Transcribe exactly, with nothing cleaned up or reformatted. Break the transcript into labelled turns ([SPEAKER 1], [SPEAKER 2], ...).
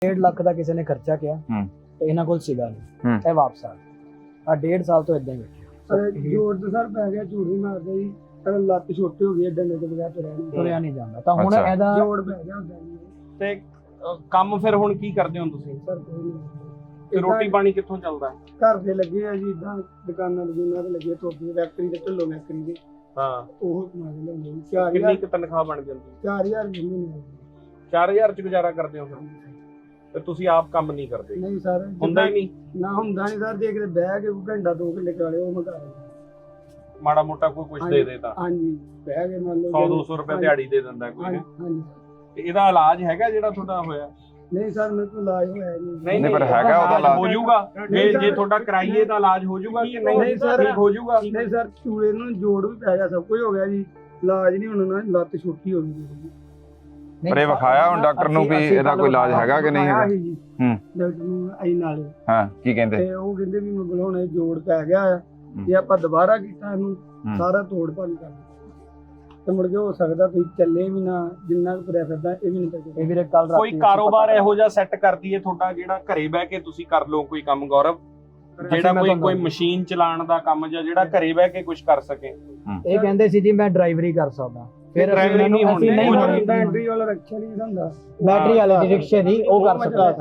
[SPEAKER 1] डेढ़ लाख का किसी ने खर्चा किया तो इन्होंने कोल सीगा नहीं ਇਹ ਵਾਪਸ ਆ ਆ डेढ़ साल तो इदां ही बैठे
[SPEAKER 2] ਜੋੜ ਤੇ ਸਰ ਪੈ ਗਿਆ ਝੂਠ ਨਹੀਂ ਮਾਰਦਾ ਜੀ ਪਰ ਲੱਤ ਛੋਟੀ ਹੋ ਗਈ ਡੰਡੇ ਤੋਂ ਬਗੈਰ ਤੁਰਿਆ ਨਹੀਂ
[SPEAKER 1] ਤੁਰਿਆ ਨਹੀਂ ਜਾਂਦਾ ਤਾਂ ਹੁਣ ਇਹਦਾ
[SPEAKER 2] ਜੋੜ ਪੈ ਗਿਆ ਹੁੰਦਾ ਜੀ
[SPEAKER 3] ਤੇ ਅ, ਕੰਮ ਫਿਰ ਹੁਣ ਕੀ ਕਰਦੇ ਹੋ ਤੁਸੀਂ?
[SPEAKER 2] ਸਰ ਕੋਈ ਨਹੀਂ
[SPEAKER 3] ਤੇ ਰੋਟੀ ਪਾਣੀ ਕਿੱਥੋਂ ਚੱਲਦਾ?
[SPEAKER 2] ਘਰ ਦੇ ਲੱਗੇ ਆ ਜੀ ਇਦਾਂ ਦੁਕਾਨਾਂ ਦੁਕਾਨਾਂ ਤੇ ਲੱਗੇ ਟੋਪੀ ਫੈਕਟਰੀ ਤੇ ਢਿੱਲੋਂ ਫੈਕਟਰੀ ਦੇ
[SPEAKER 3] ਹਾਂ
[SPEAKER 2] ਉਹ ਕਮਾ ਕੇ ਲਿਆਉਂਦੇ ਜੀ ਚਾਰ
[SPEAKER 3] ਕਿੰਨੀ
[SPEAKER 2] ਹਜ਼ਾਰ
[SPEAKER 3] ਕੁ ਤਨਖਾਹ ਬਣ ਜਾਂਦੀ?
[SPEAKER 2] ਚਾਰ ਹਜ਼ਾਰ ਮਹੀਨੇ
[SPEAKER 3] ਚਾਰ ਹਜ਼ਾਰ ਚ ਗੁਜ਼ਾਰਾ ਕਰਦੇ ਹੋ ਫਿਰ? ਤੇ ਤੁਸੀਂ ਆਪ ਕੰਮ ਨਹੀਂ ਕਰਦੇ?
[SPEAKER 2] ਨਹੀਂ ਸਰ
[SPEAKER 3] ਹੁੰਦਾ ਹੀ ਨਹੀਂ?
[SPEAKER 2] ਨਾ ਹੁੰਦਾ ਨਹੀਂ ਸਰ ਜੇ ਕਿਤੇ ਬਹਿ ਕੇ ਕੋਈ ਘੰਟਾ ਦੋ ਘੰਟੇ ਕਰਾ ਲਿਓ ਉਹ ਮਗਾ
[SPEAKER 3] ਮਾੜਾ ਮੋਟਾ ਕੋਈ ਕੁਝ ਦੇ ਦੇ ਤਾਂ
[SPEAKER 2] ਹਾਂਜੀ ਬਹਿ ਕੇ ਮੰਨ ਲਓ
[SPEAKER 3] ਸੌ ਦੋ ਸੌ ਰੁਪਏ ਦਿਹਾੜੀ ਦੇ ਦਿੰਦਾ ਕੋਈ
[SPEAKER 2] ਹਾਂਜੀ
[SPEAKER 3] ਹੈ।
[SPEAKER 2] ਹਾਂਜੀ
[SPEAKER 3] ਤੇ ਇਹਦਾ ਇਲਾਜ ਹੈਗਾ ਜਿਹੜਾ ਤੁਹਾਡਾ ਹੋਇਆ?
[SPEAKER 2] ਨਹੀਂ ਸਰ ਮੇਰੇ ਕੋਲ ਇਲਾਜ ਹੋਇਆ ਨਹੀਂ
[SPEAKER 3] ਨਹੀਂ
[SPEAKER 4] ਪਰ ਹੈਗਾ ਉਹਦਾ ਇਲਾਜ
[SPEAKER 3] ਹੋ ਜਾਊਗਾ ਜੇ ਜੇ ਤੁਹਾਡਾ ਕਰਾਈਏ ਤਾਂ ਇਲਾਜ ਹੋ ਜਾਊਗਾ ਕਿ ਨਹੀਂ?
[SPEAKER 2] ਨਹੀਂ ਸਰ,
[SPEAKER 3] ਠੀਕ ਹੋ ਜਾਊਗਾ?
[SPEAKER 2] ਨਹੀਂ ਸਰ ਚੂਲੇ ਨੂੰ ਜੋੜ ਵੀ ਪੈ ਗਿਆ ਸਭ ਕੁਝ ਹੋ ਗਿਆ ਜੀ ਇਲਾਜ ਨਹੀਂ ਹੋਣਾ ਨਾ ਲੱਤ ਛੋਟੀ ਹੋ ਗਈ
[SPEAKER 4] ਪਰ ਇਹ ਵਿਖਾਇਆ ਹੁਣ ਡਾਕਟਰ ਨੂੰ ਵੀ ਇਹਦਾ ਕੋਈ ਇਲਾਜ ਹੈਗਾ ਕਿ ਨਹੀਂ ਹੈਗਾ?
[SPEAKER 2] ਜੀ
[SPEAKER 4] ਹੂੰ
[SPEAKER 2] ਡਾਕਟਰ ਨੂੰ ਆਈ ਨਾਲੇ
[SPEAKER 4] ਹਾਂ ਕੀ ਕਹਿੰਦੇ?
[SPEAKER 2] ਤੇ ਉਹ ਕਹਿੰਦੇ ਵੀ ਮਗਲ ਹੁਣ ਇਹ ਜੋੜ ਪੈ ਗਿਆ ਆ ਜੇ ਆਪਾਂ ਦੁਬਾਰਾ ਕੀਤਾ ਇਹਨੂੰ ਸਾਰਾ ਤੋੜ ਭੰਨ ਕਰ ਤੇ ਮੁੜ ਕੇ ਹੋ ਸਕਦਾ ਤੁਸੀਂ ਚੱਲੇ ਵੀ ਨਾ ਜਿੰਨਾ ਕੁ ਤੁਰਿਆ ਫਿਰਦਾ ਇਹ ਵੀ ਨਹੀਂ ਚੱਲੇ
[SPEAKER 1] ਇਹ ਵੀਰੇ ਕੱਲ ਰਾਤ
[SPEAKER 3] ਕੋਈ ਕਾਰੋਬਾਰ ਇਹੋ ਜਿਹਾ ਸੈੱਟ ਕਰ ਦਈਏ ਤੁਹਾਡਾ ਜਿਹੜਾ ਘਰੇ ਬਹਿ ਕੇ ਤੁਸੀਂ ਕਰ ਲਓ ਕੋਈ ਕੰਮ ਗੌਰਵ, ਜਿਹੜਾ ਕੋਈ ਕੋਈ ਮਸ਼ੀਨ ਚਲਾਉਣ ਦਾ ਕੰਮ ਜਾਂ ਜਿਹੜਾ ਘਰੇ ਬਹਿ ਕੇ ਕੁਝ ਕਰ ਸਕੇ।
[SPEAKER 1] ਇਹ ਕਹਿੰਦੇ ਸੀ ਜੀ ਮੈਂ ਡਰਾਈਵਰੀ ਕਰ ਸਕਦਾ ਫਿਰ
[SPEAKER 3] ਡਰਾਈਵਰੀ ਨਹੀਂ ਹੋਣੀ
[SPEAKER 2] ਬੈਟਰੀ ਵਾਲਾ ਰੱਖਿਆ ਨਹੀਂ ਹੁੰਦਾ
[SPEAKER 1] बैटरी वाले रिक्शे दी वो कर सकता है।